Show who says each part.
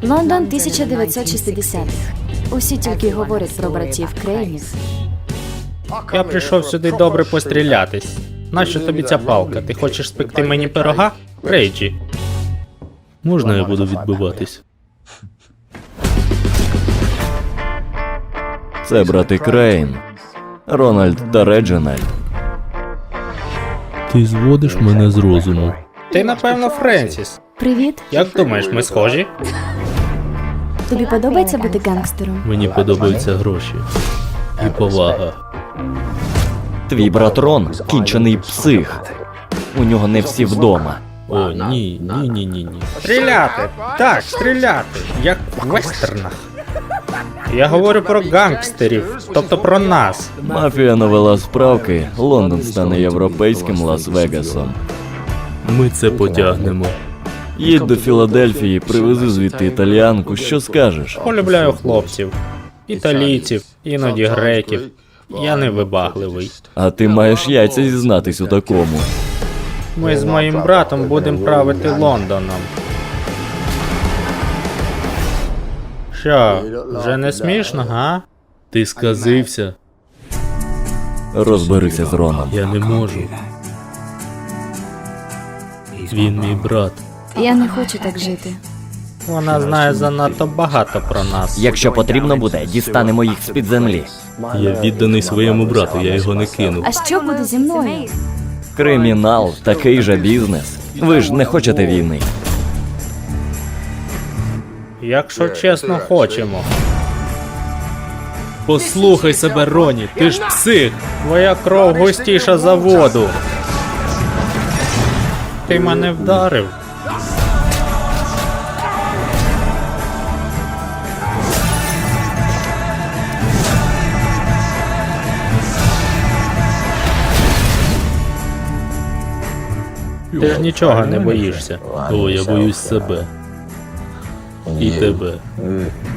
Speaker 1: Лондон 1960-х. Усі тільки говорять про братів Крейнів.
Speaker 2: Я прийшов сюди добре пострілятись. Нащо тобі ця палка? Ти хочеш спекти мені пирога? Рейджі.
Speaker 3: Можна я буду відбиватись?
Speaker 4: Це брати Крейн. Рональд та Реджинальд.
Speaker 3: Ти зводиш мене з розуму.
Speaker 2: Ти, напевно, Френсіс.
Speaker 1: Привіт.
Speaker 2: Як думаєш, ми схожі?
Speaker 1: Тобі подобається бути гангстером?
Speaker 3: Мені подобаються гроші. І повага.
Speaker 4: Твій брат Рон – кінчений псих. У нього не всі вдома.
Speaker 3: О, ні.
Speaker 2: Стріляти! Так, стріляти! Як в вестернах. Я говорю про гангстерів, тобто про нас.
Speaker 4: Мафія навела справки, Лондон стане європейським Лас-Вегасом.
Speaker 3: Ми це потягнемо.
Speaker 4: Їдь до Філадельфії, привези звідти італіянку, що скажеш?
Speaker 2: Полюбляю хлопців. Італійців, іноді греків. Я не вибагливий.
Speaker 4: А ти маєш яйця зізнатись у такому.
Speaker 2: Ми з моїм братом будемо правити Лондоном. Що, вже не смішно, га?
Speaker 3: Ти сказився.
Speaker 4: Розберися з Роном.
Speaker 3: Я не можу. Він мій брат.
Speaker 1: Я не хочу так жити.
Speaker 2: Вона знає занадто багато про нас.
Speaker 4: Якщо потрібно буде, дістанемо їх з-під землі.
Speaker 3: Я відданий своєму брату, я його не кину.
Speaker 1: А що буде зі мною?
Speaker 4: Кримінал – такий же бізнес. Ви ж не хочете війни.
Speaker 2: Якщо чесно, хочемо.
Speaker 3: Послухай себе, Роні, ти ж псих!
Speaker 2: Твоя кров густіша за воду. Ти мене вдарив. Ти ж нічого не боїшся.
Speaker 3: О, я боюсь себе. І тебе.